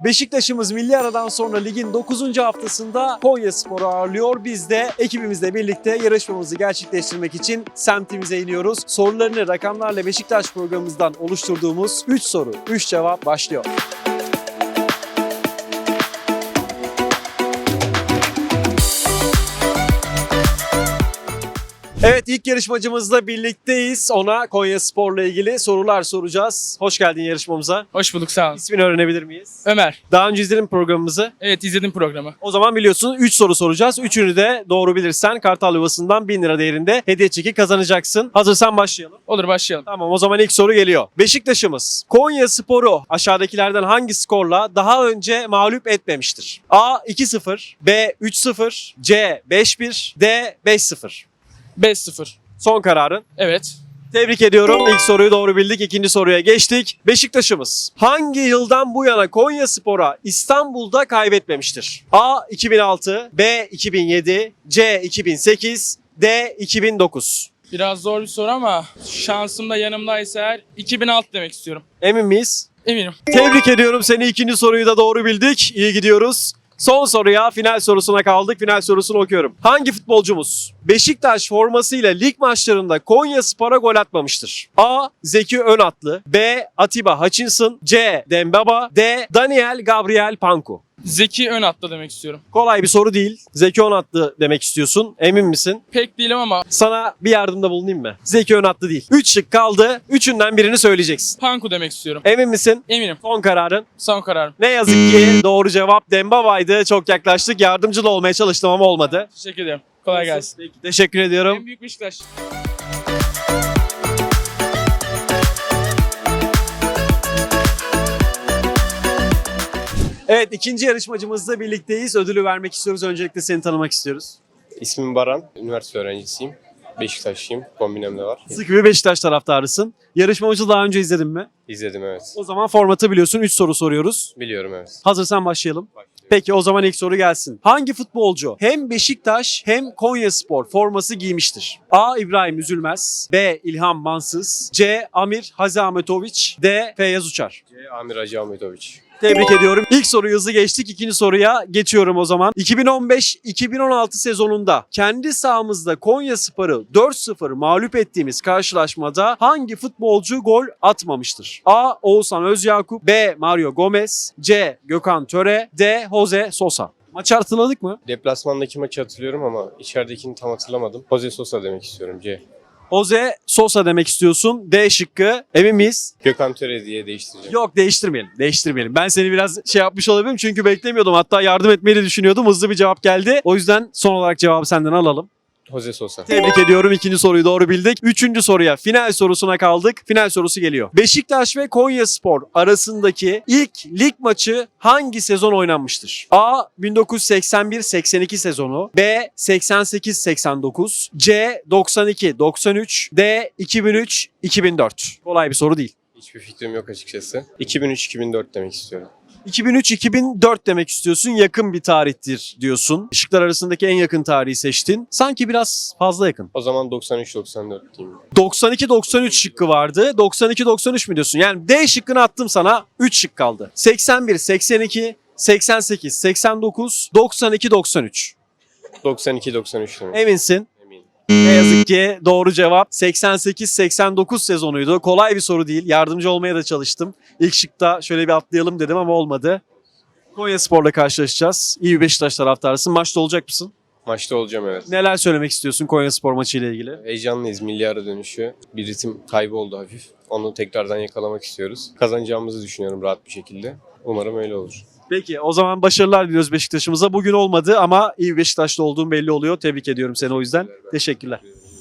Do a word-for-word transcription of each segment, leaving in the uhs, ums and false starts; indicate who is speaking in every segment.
Speaker 1: Beşiktaş'ımız milli aradan sonra ligin dokuzuncu haftasında Konyaspor'u ağırlıyor. Biz de ekibimizle birlikte yarışmamızı gerçekleştirmek için semtimize iniyoruz. Sorularını rakamlarla Beşiktaş programımızdan oluşturduğumuz üç soru, üç cevap başlıyor. Evet, ilk yarışmacımızla birlikteyiz. Ona Konyaspor'la ilgili sorular soracağız. Hoş geldin yarışmamıza.
Speaker 2: Hoş bulduk, sağ olun.
Speaker 1: İsmini öğrenebilir miyiz?
Speaker 2: Ömer.
Speaker 1: Daha önce izledin mi programımızı?
Speaker 2: Evet, izledim programı.
Speaker 1: O zaman biliyorsun üç soru soracağız. Üçünü de doğru bilirsen Kartal Yuvası'ndan bin lira değerinde hediye çeki kazanacaksın. Hazırsan başlayalım.
Speaker 2: Olur, başlayalım.
Speaker 1: Tamam, o zaman ilk soru geliyor. Beşiktaş'ımız Konyaspor'u aşağıdakilerden hangi skorla daha önce mağlup etmemiştir? A iki sıfır, B üç sıfır, C beş bir, D beş sıfır.
Speaker 2: beş sıfır.
Speaker 1: Son kararın.
Speaker 2: Evet.
Speaker 1: Tebrik ediyorum. İlk soruyu doğru bildik. İkinci soruya geçtik. Beşiktaş'ımız hangi yıldan bu yana Konyaspor'a İstanbul'da kaybetmemiştir? A iki bin altı, B iki bin yedi, C iki bin sekiz, D iki bin dokuz.
Speaker 2: Biraz zor bir soru ama şansım da yanımdaysa eğer iki bin altı demek istiyorum.
Speaker 1: Emin miyiz?
Speaker 2: Eminim.
Speaker 1: Tebrik ediyorum seni. İkinci soruyu da doğru bildik. İyi gidiyoruz. Son soruya, final sorusuna kaldık. Final sorusunu okuyorum. Hangi futbolcumuz Beşiktaş formasıyla lig maçlarında Konyaspor'a gol atmamıştır? A. Zeki Önatlı, B. Atiba Hutchinson, C. Dembaba, D. Daniel Gabriel Panku.
Speaker 2: Zeki Önatlı demek istiyorum.
Speaker 1: Kolay bir soru değil. Zeki Önatlı demek istiyorsun. Emin misin?
Speaker 2: Pek değilim ama
Speaker 1: Sana bir yardımda bulunayım mı? Zeki Önatlı değil. üç şık kaldı. Üçünden birini söyleyeceksin.
Speaker 2: Panku demek istiyorum.
Speaker 1: Emin misin?
Speaker 2: Eminim.
Speaker 1: Son kararın.
Speaker 2: Son kararım.
Speaker 1: Ne yazık ki doğru cevap Dembaba'ydı. Çok yaklaştık. Yardımcı da olmaya çalıştım ama olmadı.
Speaker 2: Teşekkür ederim. Kolay gelsin.
Speaker 1: Peki, teşekkür ediyorum.
Speaker 2: En büyük Beşiktaş.
Speaker 1: Evet, ikinci yarışmacımızla birlikteyiz. Ödülü vermek istiyoruz. Öncelikle seni tanımak istiyoruz.
Speaker 3: İsmim Baran, üniversite öğrencisiyim. Beşiktaşlıyım, kombinem de var.
Speaker 1: Sıkı bir Beşiktaş taraftarısın. Yarışmamızı daha önce izledin mi?
Speaker 3: İzledim, evet.
Speaker 1: O zaman formatı biliyorsun. üç soru soruyoruz.
Speaker 3: Biliyorum, evet.
Speaker 1: Hazırsan başlayalım.
Speaker 3: Başlıyorum.
Speaker 1: Peki, o zaman ilk soru gelsin. Hangi futbolcu hem Beşiktaş hem Konyaspor forması giymiştir? A. İbrahim Üzülmez, B. İlhan Mansız, C. Amir Haziahmetoviç, D. Feyyaz Uçar.
Speaker 3: C. Amir Hacı Ahmetoviç.
Speaker 1: Tebrik ediyorum. İlk soruyu hızlı geçtik. İkinci soruya geçiyorum o zaman. iki bin on beş iki bin on altı sezonunda kendi sahamızda Konyaspor'u dört sıfır mağlup ettiğimiz karşılaşmada hangi futbolcu gol atmamıştır? A. Oğuzhan Özyakup, B. Mario Gomez, C. Gökhan Töre, D. Jose Sosa. Maçı hatırladık mı?
Speaker 3: Deplasmandaki maçı hatırlıyorum ama içeridekini tam hatırlamadım. Jose Sosa demek istiyorum, C.
Speaker 1: Jose Sosa demek istiyorsun. D şıkkı. Emin miyiz?
Speaker 3: Gökhan Töre diye değiştireceğim.
Speaker 1: Yok, değiştirmeyelim. Değiştirmeyelim. Ben seni biraz şey yapmış olabilirim çünkü beklemiyordum. Hatta yardım etmeyi de düşünüyordum. Hızlı bir cevap geldi. O yüzden son olarak cevabı senden alalım.
Speaker 3: Jose Sosa.
Speaker 1: Tebrik ediyorum. İkinci soruyu doğru bildik. Üçüncü soruya, final sorusuna kaldık. Final sorusu geliyor. Beşiktaş ve Konyaspor arasındaki ilk lig maçı hangi sezon oynanmıştır? A. bin dokuz yüz seksen bir seksen iki sezonu, B. seksen sekiz seksen dokuz, C. doksan iki doksan üç, D. iki bin üç iki bin dört. Kolay bir soru değil.
Speaker 3: Hiçbir fikrim yok açıkçası. iki bin üç iki bin dört demek istiyorum.
Speaker 1: iki bin üç iki bin dört demek istiyorsun. Yakın bir tarihtir diyorsun. Şıklar arasındaki en yakın tarihi seçtin. Sanki biraz fazla yakın.
Speaker 3: O zaman doksan üç doksan dört diyeyim.
Speaker 1: doksan iki doksan üç şıkkı vardı. doksan iki doksan üç mü diyorsun? Yani D şıkkını attım sana. üç şık kaldı. seksen bir seksen iki, seksen sekiz seksen dokuz, doksan iki doksan üç.
Speaker 3: doksan iki doksan üç demek.
Speaker 1: Eminsin.
Speaker 3: Eminim.
Speaker 1: Ne yazık ki doğru cevap seksen sekiz seksen dokuz sezonuydu. Kolay bir soru değil. Yardımcı olmaya da çalıştım. İlk şıkta şöyle bir atlayalım dedim ama olmadı. Konyaspor'la karşılaşacağız. İyi bir Beşiktaş taraftarısın. Maçta olacak mısın?
Speaker 3: Maçta olacağım, evet.
Speaker 1: Neler söylemek istiyorsun Konyaspor maçıyla ilgili?
Speaker 3: Heyecanlıyız, milli ara dönüşü. Bir ritim kaybı oldu hafif. Onu tekrardan yakalamak istiyoruz. Kazanacağımızı düşünüyorum rahat bir şekilde. Umarım öyle olur.
Speaker 1: Peki, o zaman başarılar diliyoruz Beşiktaş'ımıza. Bugün olmadı ama iyi bir Beşiktaşlı olduğun belli oluyor. Tebrik ediyorum seni o yüzden. Teşekkürler.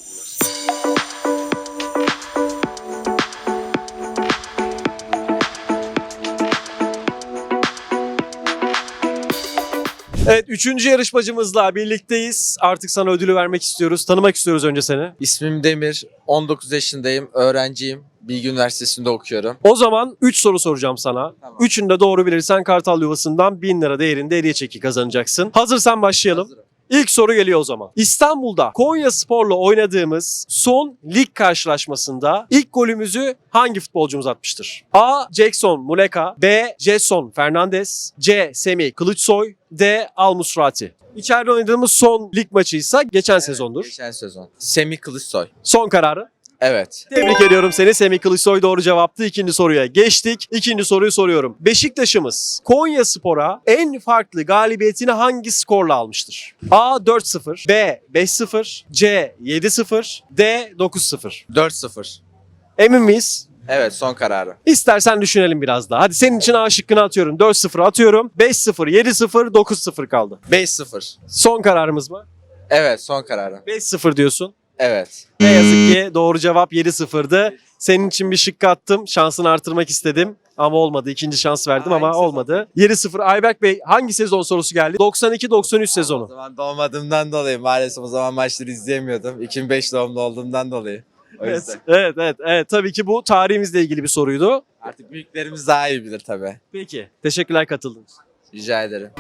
Speaker 1: Evet, üçüncü yarışmacımızla birlikteyiz. Artık sana ödülü vermek istiyoruz. Tanımak istiyoruz önce seni.
Speaker 4: İsmim Demir, on dokuz yaşındayım, öğrenciyim. Bilgi Üniversitesi'nde okuyorum.
Speaker 1: O zaman üç soru soracağım sana.
Speaker 4: Tamam.
Speaker 1: Üçünü de doğru bilirsen Kartal Yuvası'ndan bin lira değerinde hediye çeki kazanacaksın. Hazırsan başlayalım.
Speaker 4: Hazırım.
Speaker 1: İlk soru geliyor o zaman. İstanbul'da Konyaspor'la oynadığımız son lig karşılaşmasında ilk golümüzü hangi futbolcumuz atmıştır? A. Jackson Muleka, B. Jetson Fernandez, C. Semih Kılıçsoy, D. Al Musrati. İçeride oynadığımız son lig maçıysa geçen sezondur.
Speaker 4: Geçen sezon. Semih Kılıçsoy.
Speaker 1: Son kararı.
Speaker 4: Evet.
Speaker 1: Tebrik ediyorum seni. Semih Kılıçsoy doğru cevaptı. İkinci soruya geçtik. İkinci soruyu soruyorum. Beşiktaş'ımız Konyaspor'a en farklı galibiyetini hangi skorla almıştır? A. dört sıfır, B. beş sıfır, C. yedi sıfır, D. dokuz sıfır.
Speaker 4: dört sıfır.
Speaker 1: Emin miyiz?
Speaker 4: Evet, son kararı.
Speaker 1: İstersen düşünelim biraz daha. Hadi senin için A şıkkını atıyorum. dört sıfır atıyorum. beş sıfır, yedi sıfır, dokuz sıfır kaldı.
Speaker 4: beş sıfır.
Speaker 1: Son kararımız mı?
Speaker 4: Evet, son kararı.
Speaker 1: beş sıfır diyorsun.
Speaker 4: Evet.
Speaker 1: Ne yazık ki doğru cevap yedi sıfırdı. Senin için bir şık attım. Şansını artırmak istedim. Ama olmadı. İkinci şans verdim ama olmadı. yedi sıfır. Ayberk Bey hangi sezon sorusu geldi? doksan iki doksan üç
Speaker 4: O
Speaker 1: sezonu.
Speaker 4: zaman doğmadığımdan dolayı maalesef o zaman maçları izleyemiyordum. iki bin beş doğumlu olduğumdan dolayı. O
Speaker 1: Evet,
Speaker 4: yüzden.
Speaker 1: evet, evet, evet. Tabii ki bu tarihimizle ilgili bir soruydu.
Speaker 4: Artık büyüklerimiz daha iyi bilir tabii.
Speaker 1: Peki. Teşekkürler katıldığınız için.
Speaker 4: Rica ederim.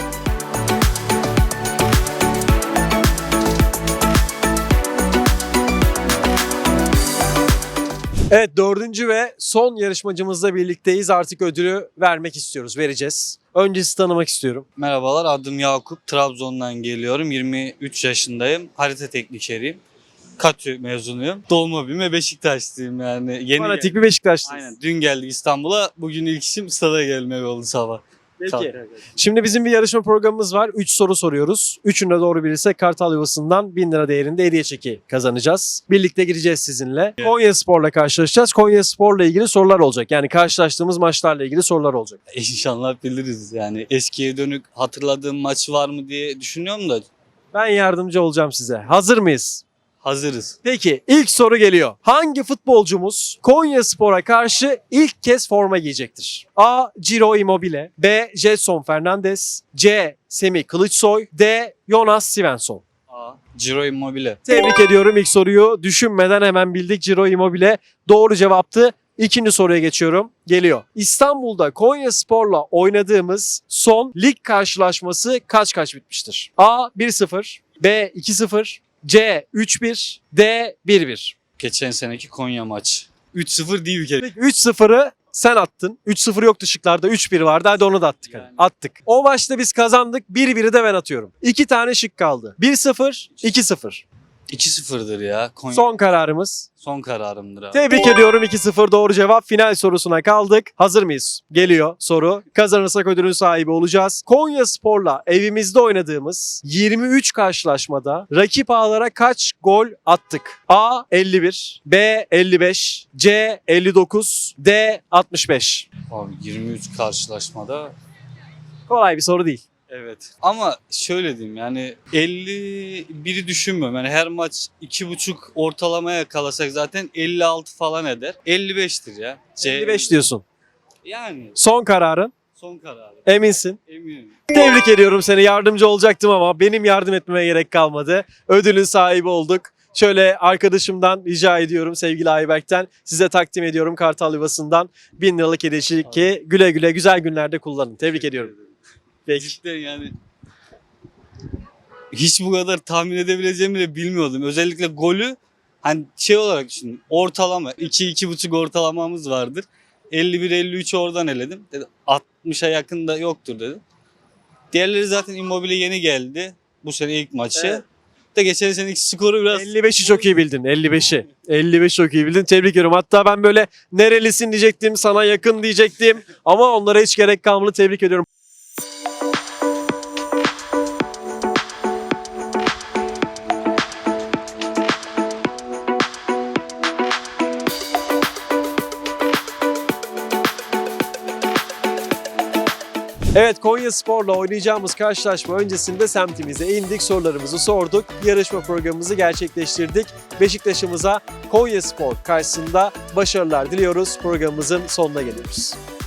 Speaker 1: Evet, dördüncü ve son yarışmacımızla birlikteyiz. Artık ödülü vermek istiyoruz, vereceğiz. Önce sizi tanımak istiyorum.
Speaker 5: Merhabalar, adım Yakup. Trabzon'dan geliyorum. yirmi üç yaşındayım. Harita teknikeriyim. KATÜ mezunuyum. Doğma büyüme Beşiktaşlıyım yani. Yeni
Speaker 1: Fanatik bir Beşiktaşlıyız.
Speaker 5: Aynen. Dün geldik İstanbul'a. Bugün ilk işim stada gelmek oldu sabah.
Speaker 1: Peki. Şimdi bizim bir yarışma programımız var. üç soru soruyoruz. Üçünde doğru bilirse Kartal Yuvası'ndan bin lira değerinde hediye çeki kazanacağız. Birlikte gireceğiz sizinle.
Speaker 5: Evet.
Speaker 1: Konyaspor'la karşılaşacağız. Konyaspor'la ilgili sorular olacak. Yani karşılaştığımız maçlarla ilgili sorular olacak.
Speaker 5: İnşallah biliriz yani. Eskiye dönük hatırladığım maç var mı diye düşünüyorum da
Speaker 1: Ben yardımcı olacağım size. Hazır mıyız?
Speaker 5: hazırız.
Speaker 1: Peki ilk soru geliyor. Hangi futbolcumuz Konyaspor'a karşı ilk kez forma giyecektir? A. Ciro Immobile, B. Jetson Fernandez, C. Semih Kılıçsoy, D. Jonas Svensson.
Speaker 5: A. Ciro Immobile.
Speaker 1: Tebrik ediyorum, ilk soruyu düşünmeden hemen bildik. Ciro Immobile doğru cevaptı. İkinci soruya geçiyorum. Geliyor. İstanbul'da Konyaspor'la oynadığımız son lig karşılaşması kaç kaç bitmiştir? A. bir sıfır, B. iki sıfır, C. üç bir, D. bir bir.
Speaker 5: Geçen seneki Konya maçı. üç sıfır değil bir kere.
Speaker 1: Peki üç sıfırı sen attın. üç sıfır yoktu şıklarda. üç bir vardı. Hadi onu da attık. hadi.
Speaker 5: Yani.
Speaker 1: Attık. O maçta biz kazandık. bir biri de ben atıyorum. İki tane şık kaldı. bir sıfır, iki sıfır.
Speaker 5: iki sıfırdır ya. Konya
Speaker 1: Son kararımız.
Speaker 5: son kararımdır abi.
Speaker 1: Tebrik ediyorum, iki sıfır doğru cevap. Final sorusuna kaldık. Hazır mıyız? Geliyor soru. Kazanırsak ödülün sahibi olacağız. Konyaspor'la evimizde oynadığımız yirmi üç karşılaşmada rakip ağlara kaç gol attık? A. elli bir, B. elli beş, C. elli dokuz, D. altmış beş.
Speaker 5: Abi yirmi üç karşılaşmada
Speaker 1: Kolay bir soru değil.
Speaker 5: evet. Ama şöyle diyeyim yani elli biri düşünmüyorum. Yani her maç iki buçuk ortalamaya kalasak zaten elli altı falan eder. elli beştir ya. C-
Speaker 1: elli beş diyorsun.
Speaker 5: Yani
Speaker 1: Son kararın.
Speaker 5: son kararı.
Speaker 1: Eminsin.
Speaker 5: Eminim.
Speaker 1: Tebrik ediyorum seni. Yardımcı olacaktım ama benim yardım etmeme gerek kalmadı. Ödülün sahibi olduk. Şöyle arkadaşımdan rica ediyorum, sevgili Ayberk'ten size takdim ediyorum Kartal Yuvası'ndan bin liralık hediye ki güle güle güzel günlerde kullanın. Tebrik ediyorum. Peki.
Speaker 5: Cidden yani hiç bu kadar tahmin edebileceğimi de bilmiyordum. Özellikle golü hani şey olarak düşünün. Ortalama iki iki buçuk ortalamamız vardır. elli bir elli üç oradan eledim. Dedim altmışa yakın da yoktur dedim. Diğerleri zaten Immobile yeni geldi. Bu sene ilk maçı.
Speaker 1: Evet.
Speaker 5: De geçen seneki skoru biraz
Speaker 1: elli beşi çok iyi bildin. elli beşi. elli beş çok iyi bildin. Tebrik ediyorum. Hatta ben böyle nerelisin diyecektim, sana yakın diyecektim. Ama onlara hiç gerek kalmadı. Tebrik ediyorum. Evet, Konyaspor'la oynayacağımız karşılaşma öncesinde semtimize indik, sorularımızı sorduk, yarışma programımızı gerçekleştirdik. Beşiktaş'ımıza Konyaspor karşısında başarılar diliyoruz. Programımızın sonuna geliyoruz.